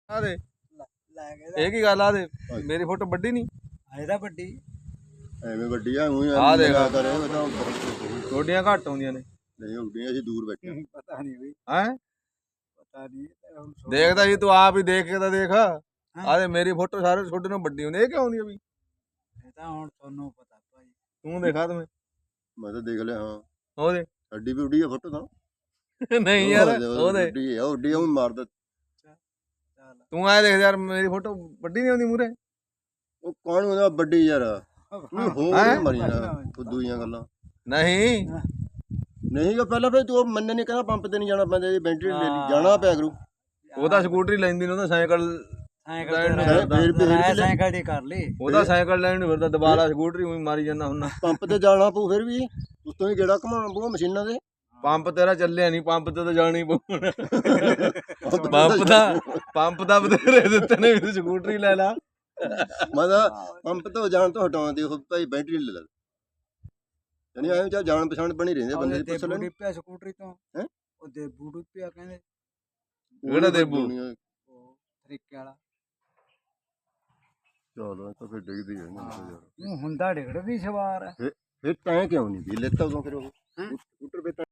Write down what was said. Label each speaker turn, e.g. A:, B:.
A: ਆ ਦੇ
B: ਲੈ ਕੇ
A: ਇਹ ਕੀ ਗੱਲ ਆ ਦੇ ਮੇਰੀ ਫੋਟੋ ਵੱਡੀ ਨਹੀਂ
B: ਆਏ ਤਾਂ ਵੱਡੀ
C: ਐਵੇਂ ਵੱਡੀ ਆ ਉਹੀ
A: ਆ ਦੇਖ।
C: ਕਰੇ ਉਹ ਤਾਂ ਬਹੁਤ
A: ਛੋਟੀਆਂ ਘੱਟ ਆਉਂਦੀਆਂ ਨੇ
C: ਨਹੀਂ ਹੁੰਦੀਆਂ ਅਸੀਂ ਦੂਰ ਬੈਠੇ ਹਾਂ।
B: ਪਤਾ ਨਹੀਂ ਬਈ
A: ਹੈ
B: ਪਤਾ ਨਹੀਂ ਹੁਣ
A: ਦੇਖਦਾ ਜੀ ਤੂੰ ਆਪ ਹੀ ਦੇਖ ਕੇ ਤਾਂ ਦੇਖ ਆ ਦੇ ਮੇਰੀ ਫੋਟੋ ਸਾਰੇ ਛੋਟੇ ਨੂੰ ਵੱਡੀ ਹੁੰਦੀ ਇਹ ਕਿਉਂ ਆਉਂਦੀ ਆ ਵੀ
B: ਇਹ ਤਾਂ ਹੁਣ ਤੁਹਾਨੂੰ ਪਤਾ ਭਾਈ
A: ਤੂੰ ਦੇਖਾ ਤੂੰ
C: ਮੈਂ ਤਾਂ ਦੇਖ ਲਿਆ ਹਾਂ
A: ਉਹਦੇ
C: ਸਾਡੀ ਵੀ ਉੱਡੀ ਆ ਫੋਟੋ ਤਾਂ
A: ਨਹੀਂ ਯਾਰ ਉਹਦੇ
C: ਉੱਡੀ ਆ ਉੱਡੀ ਆ ਉਹ ਮਾਰਦਾ
B: ਚੱਲ
A: ਤੂੰ ਆਏ ਦੇਖ ਯਾਰ ਮੇਰੀ ਫੋਟੋ ਵੱਡੀ ਨਹੀਂ ਆਉਂਦੀ ਮੂਰੇ
C: ਉਹ ਕੌਣ ਹੁੰਦਾ ਵੱਡੀ ਯਾਰ ਤੂੰ ਹੋਰ ਮਰੀਆਂ ਫੁੱਦੂ ਦੀਆਂ ਗੱਲਾਂ
A: ਨਹੀਂ
C: ਨਹੀਂ ਕਿ ਪਹਿਲਾਂ ਫਿਰ ਤੂੰ ਮੰਨੇ ਨਹੀਂ ਕਹਿੰਦਾ ਪੰਪ ਤੇ ਨਹੀਂ ਜਾਣਾ ਪੈਂਦਾ ਇਹ ਬੈਟਰੀ ਲੈ ਲਈ ਜਾਣਾ ਪਿਆ ਕਰੂ
A: ਉਹਦਾ ਸਕੂਟਰੀ ਲੈਂਦੀ ਨੂੰ ਉਹਦਾ ਸਾਈਕਲ
C: ਫਿਰ
B: ਸਾਈਕਲ ਦੀ ਕਰ ਲਈ
A: ਉਹਦਾ ਸਾਈਕਲ ਲੈਣ ਨੂੰ ਫਿਰਦਾ ਦੁਬਾਰਾ ਸਕੂਟਰੀ ਉਹੀ ਮਾਰੀ ਜਾਂਦਾ ਹੁੰਦਾ
C: ਪੰਪ ਤੇ ਜਾਣਾ ਪਊ ਫਿਰ ਵੀ ਉਤੋਂ ਹੀ ਗੇੜਾ ਘਮਾਉਣਾ ਪਊ ਮਸ਼ੀਨਾਂ ਦੇ
A: ਪੰਪ ਤੇਰਾ ਚੱਲਿਆ ਨਹੀਂ ਪੰਪ ਤੇ ਤਾਂ ਜਾਣੀ ਪਊ ਪੰਪ ਦਾ ਬਥੇਰੇ ਦਿੱਤੇ ਨੇ ਵੀ ਸਕੂਟਰੀ ਲੈ ਲਾ
C: ਮੈਂ ਤਾਂ ਪੰਪ ਤੋਂ ਜਾਣ ਤੋਂ ਹਟਾਉਂਦੇ ਉਹ ਭਾਈ ਬੈਟਰੀ ਲੈ ਲੈ ਯਾਨੀ ਐਵੇਂ ਚਾ ਜਾਣ ਪਛਾਣ ਬਣੀ ਰਹਿੰਦੇ ਬੰਦੇ ਦੀ ਪੁੱਛ ਲੈਣ
B: ਪਿਆ ਸਕੂਟਰੀ ਤੋਂ
C: ਹੈਂ?
B: ਉਹ ਦੇਬੂ ਡੁੱਪਿਆ ਕਹਿੰਦੇ
A: ਕਿਹੜਾ ਦੇਬੂ
B: ਉਹ ਤਰੀਕੇ ਵਾਲਾ
C: ਚਲੋ ਤਾਂ ਫਿਰ ਡਿੱਗਦੀ ਹੈ ਨਾ ਯਾਰ
B: ਉਹ ਹੁੰਦਾ ਡਿਗੜ ਵੀ ਸਵਾਰ ਹੈ
C: ਫਿਰ ਤੈਂ ਕਿਉਂ ਨਹੀਂ ਵੀ ਲੈਤਾ ਉਦੋਂ ਫਿਰ ਉਹ ਸਕੂਟਰ